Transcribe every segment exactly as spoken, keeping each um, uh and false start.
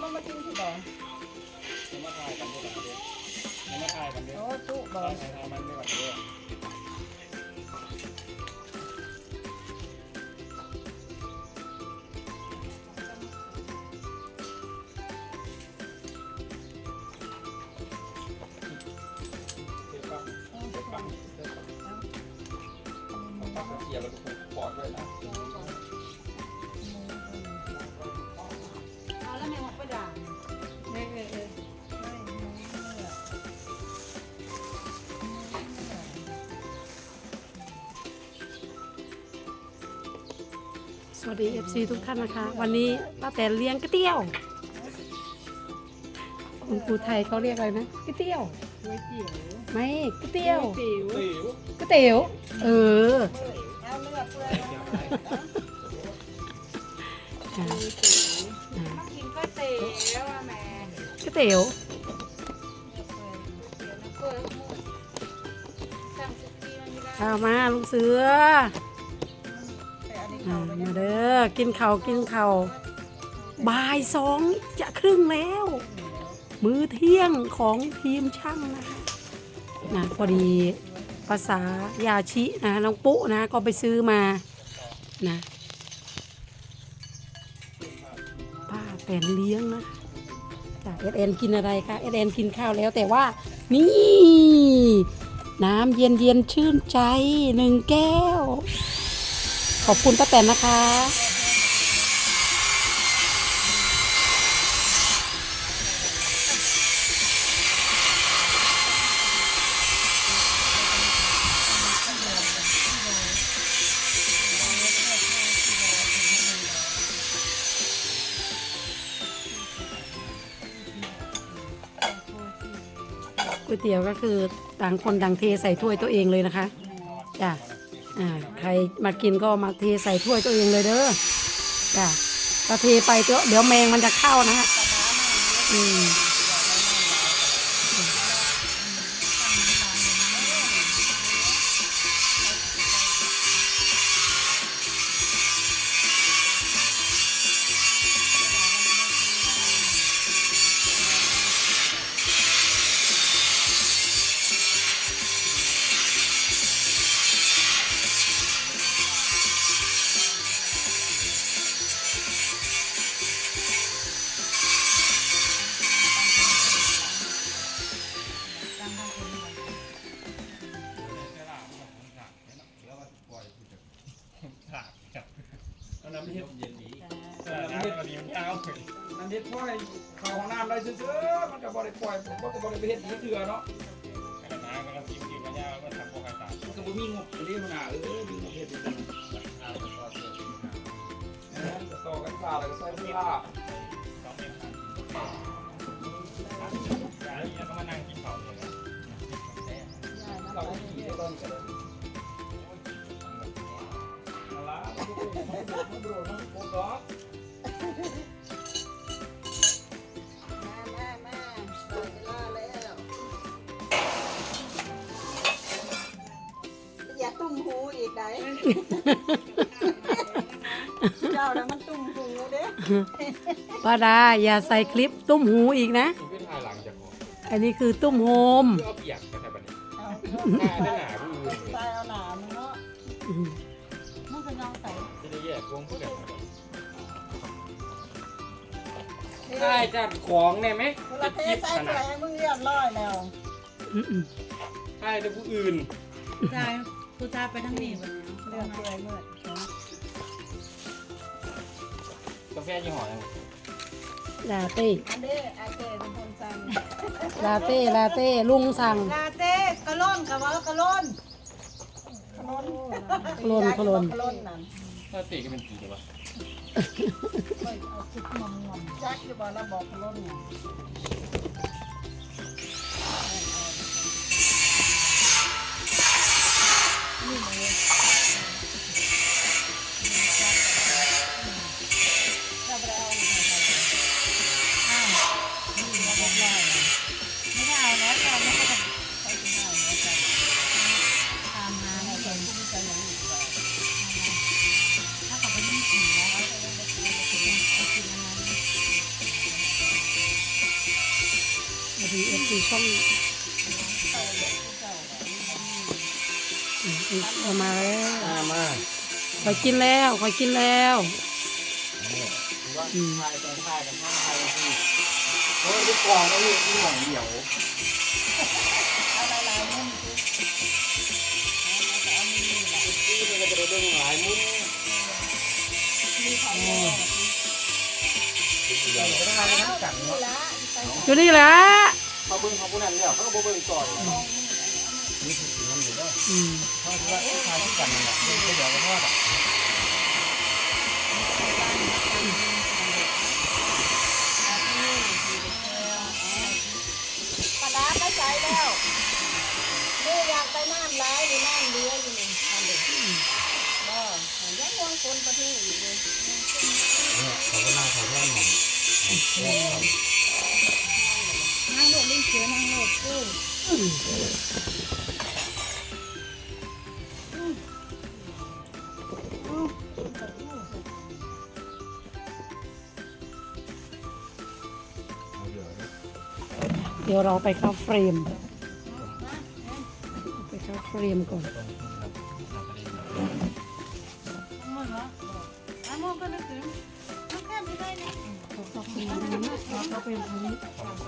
ก็มากินที่บ่อมาถ่ายกันด้วยกันด้วยมาถ่ายกันด้วยโอ้จุบ่อถ่ายถ่ายมันด้วยกันด้วยเกี่ยวแล้วก็ปอดด้วยนะเอาแล้วแม่หมกไปด่างเออเออเออสวัสดี เอฟ ซี ทุกท่านนะคะวันนี้ป้าแตนเลี้ยงก๋วยเตี๋ยวคุณครูไทยเขาเรียกอะไรนะก๋วยเตี๋ยวก๋วยเตี๋ยวไม่ก๋วยเตี๋ยวติ๋วติ๋วก๋วยเตี๋ยวเออเอาเลือดเปื่อยอ่ามากินก๋วยเตี๋ยวอ่ะแม่ก๋วยเตี๋ยวเดี๋ยวนะเปิดหมดสั่งสุกี้มันไม่ได้ข้าวมาลุงเสือแต่อันนี้อ่าเขาไม่ได้มาเด้อกินข้าวกินข้าวบ่ายสองจะครึ่งแล้ว มื้อเที่ยงของทีมช่างนะคะนะพอดีภาษายาชินะน้องปุ๊นะก็ไปซื้อมานะป้าแตนเลี้ยงนะจ้ะเอสเอ็นกินอะไรคะเอสเอ็นกินข้าวแล้วแต่ว่านี่น้ำเย็นเย็นชื่นใจหนึ่งแก้ว ขอบคุณป้าแตนนะคะก๋วยเตี๋ยวก็คือต่างคนต่างเทใส่ถ้วยตัวเองเลยนะคะจ้ะอ่าใครมากินก็มาเทใส่ถ้วยตัวเองเลยเด้อจ้ะก็เทไปเดี๋ยวเดี๋ยวแมงมันจะเข้านะฮะอืมน้ำเห็ดเย็นดีน้ำเห็ดวันนี้มันยาวเลยน้ำเห็ดปล่อยเข้าห้องน้ำได้เฉยๆมันก็บ่ได้ปล่อยมันก็บ่ได้ไปเฮ็ดอีกเถื่อเนาะกระดาษกระทิมกินกระยาก็ทำพวกกระดาษมันก็บ่มีงบเรียกมันน่ะเออมีงบเฮ็ดจังเอาต่อเสือนะต่อกันซ่าแล้วก็ใส่เวลาสองเมตรอย่าอย่าก็มานั่งกินข้าวเลยนะเราขี่ได้ต้นกันเลยมาละดูดูดูดูดูดูมามามาได้เวลาแล้วอย่าตุ้มหูอีกได้เจ้านะมันตุ้มหูเด้ป้าดาอย่าใส่คลิปตุ้มหูอีกนะอันนี้คือตุ้มโฮมเอาเปียกกันแบบนี้เอาหน้าได้หนาผู้อื่นใส่เอาหนามึงเนาะอืมมึงก็ยองใส่จะได้แยกวงผู้กันได้จัดของเนี่ยไหมเวลาเทใส่แผลมึงเรียบร้อยแล้วอืมอืมได้แต่ผู้อื่นผู้ชายผู้ชายไปทั้งนี้วันนี้เลือดเปื่อยเมื่อกาแฟยี่ห้ออะไรลาเต้อันนี้อาเจเป็นคนสั่งลาเต้ลาเต้ลุงสั่งลาเต้กะล่นกับว่ากะล่นขนมขลนขลนขนมนั่นถ้าตีก็เป็นกี่ตัวเอาคิดงอมงอมจักอยู่บ่แล้วบอกขนมเนี่ยนี่เลยจะไปเอาอะไรอ้าวนี่เราบอกได้ไม่ได้เอาแล้วเราไม่ได้ไปที่ไหนแล้วจ้ะตามหาให้คนที่จะยังอยู่ต่อถ้าเขาไปยิ่งขี่แล้วเขาจะไปกินอะไรวัสดีเอฟซีช่องเอามาแล้วมามาคอยกินแล้วคอยกินแล้วอืมถ่ายตอนถ่ายกันข้างถ่ายกันที่โอ้ยลูกกวางก็ลูกที่หวังเดี่ยวเอาหลายๆมุมสิเอามือนี่แหละที่มันก็จะได้เบิ่งหลายมุมมีของแม่เดี๋ยวก็ได้ทั้งกันนี่เนาะละไปอยู่นี่แหละเขาเบิ่งเขาผู้นั้นเนี่ยเขาก็บ่เบิ่งก่อนนี่คือสิ่งนั้นอยู่เด้ออืมเขาคิดว่าถ่ายที่กันนั่นแหละเดี๋ยวก็ทอดอ่ะปลาร้าก็ใส่แล้วนี่อยากไปน้ำร้ายหรือน้ำเลี้ยอยู่นี่ทำเด็กก็ยังวงคนประเทศอีกเลยเนี่ยเขาก็นั่งถ่ายแค่หมอนนั่งโลดลิ้นเสือนั่งโลดกู้เดี๋ยวเราไปเข้าเฟรมไปเข้าเฟรมก่อนมือเหรออ่ะมือก็นึกถึงน้ำแคบไม่ได้เนี่ยเข้าเฟรมเข้าเฟรมตรงนี้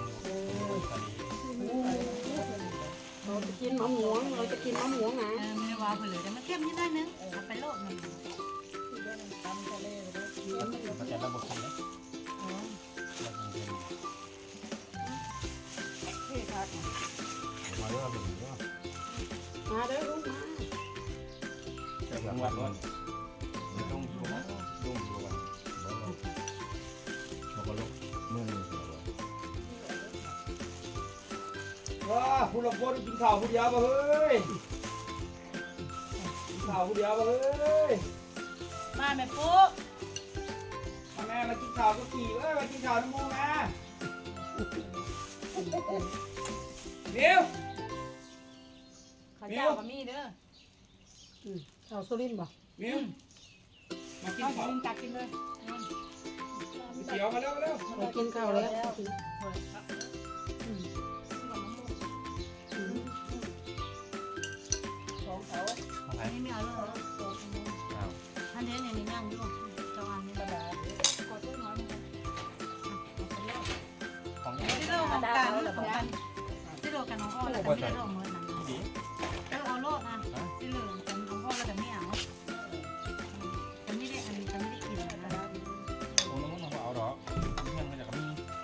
เราจะกินมะม่วงเราจะกินมะม่วงนะเออไม่ได้ว่าเผื่อเลยแต่มันเข้มนิดได้นึงเอาไปโลดหนึ่งเขาจะระบบกันเลย มาเรื่องอะไรเนี่ยมาเด้อลูกมาจะหลังวันวันต้องอยู่นะต้องอยู่วันเขาก็ลุกมือหนึ่งว้าผู้รับผู้กินข้าวผู้เดียวมาเฮ้ยกินข้าวผู้เดียวมาเฮ้ยมาแม่ปุ๊มาแม่มากินข้าวก็ขี่เอ้ยมากินข้าวน้ำมูกนะเดี๋ยวข้าวเจ้ากับมีเด้อเราสุรินทร์บ่เดี๋ยวมากินเอาข้าวกินตักกินเลยเดี๋ยวมาเร็วมาเร็วเรากินข้าวแล้วของเขาอันนี้ไม่เอาเลยอันนี้เนี่ยนี่นั่งอยู่เจ้าอันนี้ระบาดขอช่วยน้อยนึงของที่โลกันกันของกันที่โลกันน้องอ้อแล้วแต่ไม่ได้โลเหมือนนั้นเออเอาโลดนะที่เหลือแต่น้องอ้อแล้วแต่ไม่เอาแต่ไม่ได้อันนี้แต่ไม่ได้กินนะตรงนู้นเราเอาหรอเพื่อนมาจากมี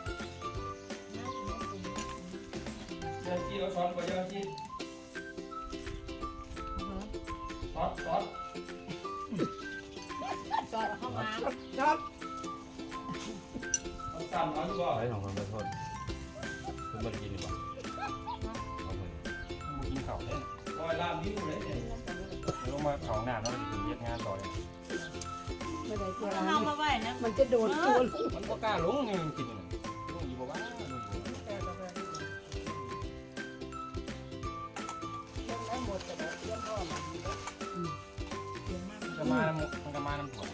เจ้าจีเราสอนกว่าเจ้าจีสอนสอนจอดเข้ามาครับต้องสั่นน้อยดีกว่าไอ้สองคนไปโทษคุณไม่ได้กินดีกว่าเอาไปกินข้าวเนี่ยลอยลามดิ้วเลยเนี่ยลงมาเขาหน้าเนาะถึงเย็ดงานต่อเลยไม่ได้เจอเอามาไว้นะมันจะโดนตัวลูกมันก็กล้าลงนี่มันกินลงอยู่บ่ว่าจะมามันจะมาน้ำถั่ว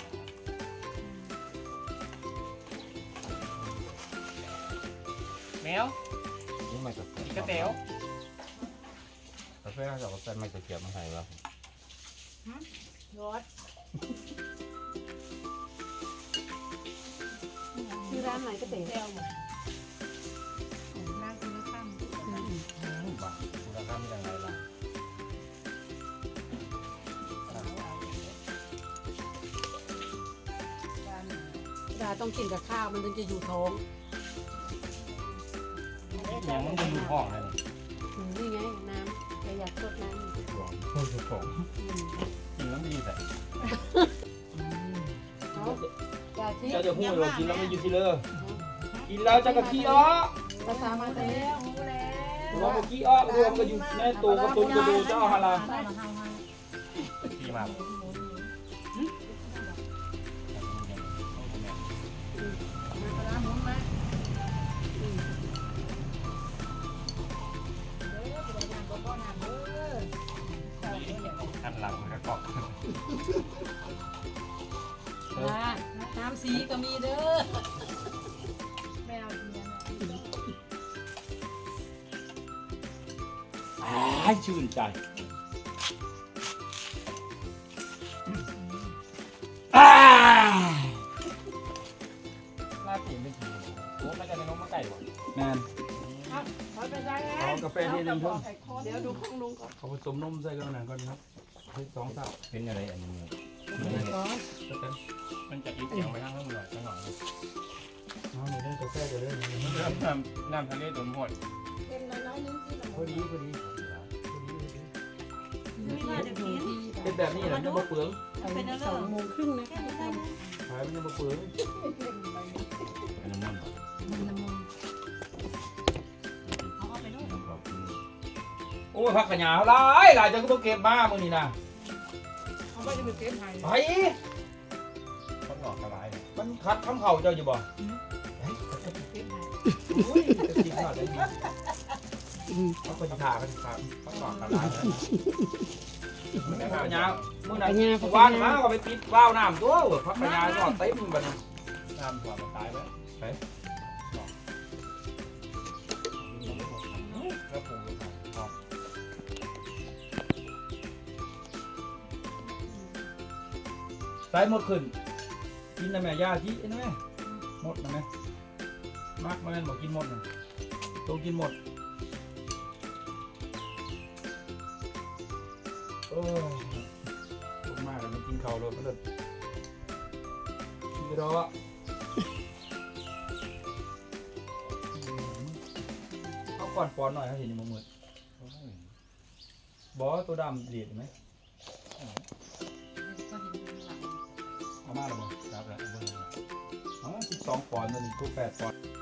แมวนี่ไม่กระอีกระเต๋วกาแฟเขาจะเอากาแฟไม่กระเทียมมาใส่แล้วรถชื่อร้านไหนก็เต๋เที่ยวหมดนั่งกินข้าวบ้าคุณภาพเป็นยังไงล่ะดาต้องกินกับข้าวมันถึงจะอยู่ท้องยังมันจะดูห้องเลยอืมนี่ไงน้ำประหยัดสดน้ำของของอืมกินแล้วดีแต่เอาจาที่เจ้าจะพูดว่ากินแล้วไม่ยืดที่เลยกินแล้วจะกะขี้อ้อภาษามาเต๋แล้วรู้แล้วว่าเมื่อกี้อ้อรวมก็อยู่ในตัวกระตุ้นกระดูเจ้าฮาราเฮาเฮาดีมากร้านหมุนมาอันหลังมันก็เกาะนะน้ำสีก็มีเด้อแมวกินายชื่นใจอ้าหน้าตีไม่กินโอ้ไม่จะในน้องมาไก่หรอแมนเขาเป็นได้แล้วเอากาแฟที่หนึ่งเพิ่มเดี๋ยวดูของลุงก่อนเขาผสมนมใส่กันหน่อยก่อนครับสองสับเป็นอะไรอันนี้มันจะอีกอย่างไปข้างล่างหน่อยสักหน่อยน้องนี่ได้กาแฟจะได้น้ำน้ำทะเลตัวหมดเต็มน้อยๆนึงที่เราพอดีพอดีไม่ว่าจะกินเป็นแบบนี้แหละมันบ่เปลืองเป็นอะไรสองโมงครึ่งนะแค่ไม่ได้นะขายมันยังบ่เปลืองอันนั้นมันมันละมุนเอาเอาไปด้วยขอบคุณโอ้ยผักกระหยาหลายหลายจังก็บ่เก็บมามื้อนี้นะเอาไปจะไปเก็บให้ไปเขาหลอกกระไรมันคัดคำเข่าเจ้าอยู่บ่เก็บให้อุ้ยจะกินขนาดนี้เขาก็จะขากันขาเขาหลอกกันหลายนะผักกระหยามื้อนั้นวานมาก็ไปปิดวาล์วน้ำตัวผักกระหยาก็เต็มบัดนั้นน้ำตัวมันตายไปไปแล้วปลูกสายหมดขึ้นกินนะแม่ยาจีนะแม่หมดนะแม่มากมาแม่บอกกินหมดนะตัวกินหมดโอ้พูดมากเลยไม่กินข้าวเลยก็เลยกินรอเอาก่อนปอนหน่อยนะเห็นยังมืดบอตัวดำเดียดไหมเอามาหรือเปล่าครับแล้วเบอร์อ๋อสิบสองปอนด์ตัวนี้ตัวแปดปอนด์